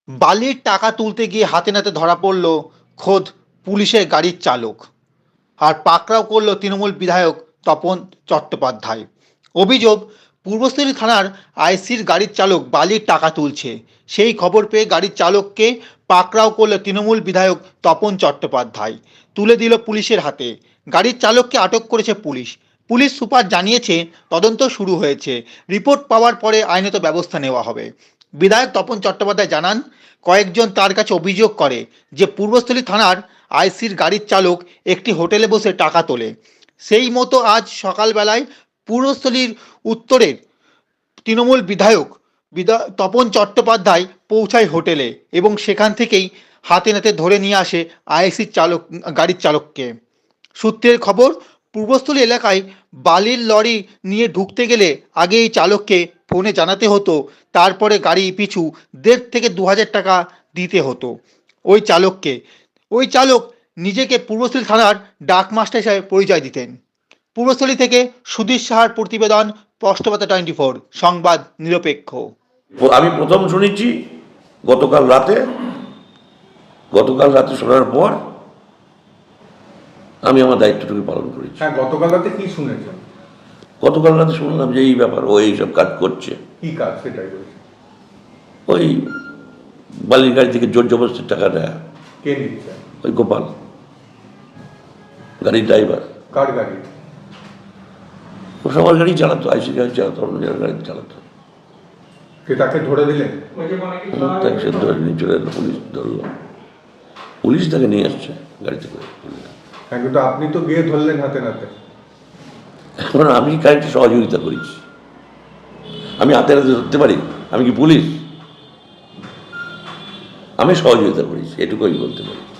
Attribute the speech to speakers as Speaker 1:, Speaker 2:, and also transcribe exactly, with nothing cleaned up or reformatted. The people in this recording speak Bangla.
Speaker 1: বালির টাকা তুলতে গিয়ে হাতে নাতে ধরা পড়ল খোদ পুলিশের গাড়ির চালক। আর পাকড়াও করল তৃণমূল বিধায়ক তপন চট্টোপাধ্যায়। অভিযোগ, পূর্বস্থলী থানার আইসির গাড়ির চালক বালির টাকা তুলছে। সেই খবর পেয়ে গাড়ির চালককে পাকড়াও করল তৃণমূল বিধায়ক তপন চট্টোপাধ্যায়, তুলে দিল পুলিশের হাতে। গাড়ির চালককে আটক করেছে পুলিশ। পুলিশ সুপার জানিয়েছে তদন্ত শুরু হয়েছে, রিপোর্ট পাওয়ার পরে আইনত ব্যবস্থা নেওয়া হবে। বিধায়ক তপন চট্টোপাধ্যায় জানান, কয়েকজন তার কাছে অভিযোগ করে যে পূর্বস্থলী থানার আইসির গাড়ির চালক একটি হোটেলে বসে টাকা তোলে। সেই মতো আজ সকালবেলায় পূর্বস্থলীর উত্তরের তৃণমূল বিধায়ক বিধা তপন চট্টোপাধ্যায় পৌঁছায় হোটেলে এবং সেখান থেকেই হাতে নাতে ধরে নিয়ে আসে আইসির চালক গাড়ির চালককে। সূত্রের খবর, পূর্বস্থলী এলাকায় বালির লরি নিয়ে ঢুকতে গেলে আগে এই চালককে ফোনে জানাতে হতো, তারপরে গাড়ি পিছু দেড় থেকে দু হাজার টাকা দিতে হতো ওই চালককে। ওই চালক নিজেকে পূর্বস্থলী থানার ডাকমাস্টার হিসাবে পরিচয় দিতেন। পূর্বস্থলী থেকে সুধীর সাহার প্রতিবেদন, স্পষ্টবার্তা টোয়েন্টি ফোর, সংবাদ নিরপেক্ষ।
Speaker 2: আমি প্রথম শুনেছি গতকাল রাতে গতকাল রাতে শোনার পর আমি আমার দায়িত্বটুকু পালন করেছি।
Speaker 3: হ্যাঁ, গতকাল রাতে কি শুনেছেন?
Speaker 2: গতকাল রাতে শুনলাম যে এই ব্যাপার, ও এইসব কাজ করছে।
Speaker 3: কি কাজ সেটাই বলছি।
Speaker 2: ওই বালির গাড়ি থেকে জোর জবরদস্তির টাকা নেয়।
Speaker 3: কে নিচ্ছে?
Speaker 2: ওই গোপাল, গাড়ির ড্রাইভার।
Speaker 3: কার গাড়ি?
Speaker 2: ও সবার গাড়ি চালাতো, আইসি গাড়ি চালাতো, অন্য জনের গাড়ি চালাতো।
Speaker 3: কে তাকে ধরে দিলেন?
Speaker 2: তাকে সে ধরে নিয়ে চলে এলো, পুলিশ ধরলো। পুলিশ তাকে নিয়ে আসছে গাড়িতে করে।
Speaker 3: হ্যাঁ, কিন্তু আপনি তো গিয়ে ধরলেন হাতে নাতে।
Speaker 2: এখন আমি গাড়িতে সহযোগিতা করেছি, আমি হাতে হাতে ধরতে পারি? আমি কি পুলিশ? আমি সহযোগিতা করেছি, এটুকু আমি বলতে পারি।